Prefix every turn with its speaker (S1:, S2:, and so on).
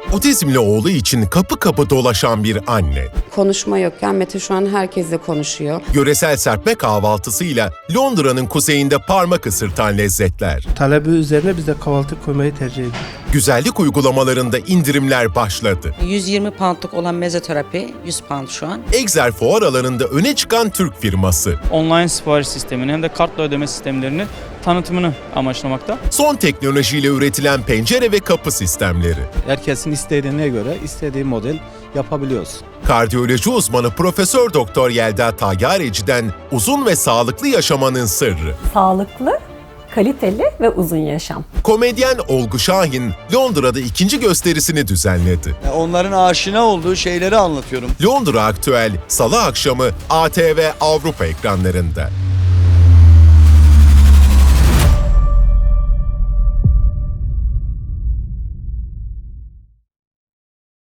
S1: Otizmli oğlu için kapı kapı dolaşan bir anne.
S2: Konuşma yokken Mete şu an herkesle konuşuyor.
S1: Yöresel serpme kahvaltısıyla Londra'nın kuzeyinde parmak ısırtan lezzetler.
S3: Talebi üzerine biz de kahvaltı koymayı tercih ediyoruz.
S1: Güzellik uygulamalarında indirimler başladı.
S4: 120 poundluk olan mezoterapi 100 pound şu an.
S1: Egzer fuar alanında öne çıkan Türk firması.
S5: Online sipariş sistemini hem de kartla ödeme sistemlerini tanıtımını amaçlamakta.
S1: Son teknolojiyle üretilen pencere ve kapı sistemleri.
S6: Herkesin istediğine göre istediği model yapabiliyoruz.
S1: Kardiyoloji uzmanı Profesör Doktor Yelda Tayyareci'den uzun ve sağlıklı yaşamanın sırrı.
S7: Sağlıklı, kaliteli ve uzun yaşam.
S1: Komedyen Olgu Şahin Londra'da ikinci gösterisini düzenledi.
S8: Onların aşina olduğu şeyleri anlatıyorum.
S1: Londra Aktüel Salı akşamı ATV Avrupa ekranlarında.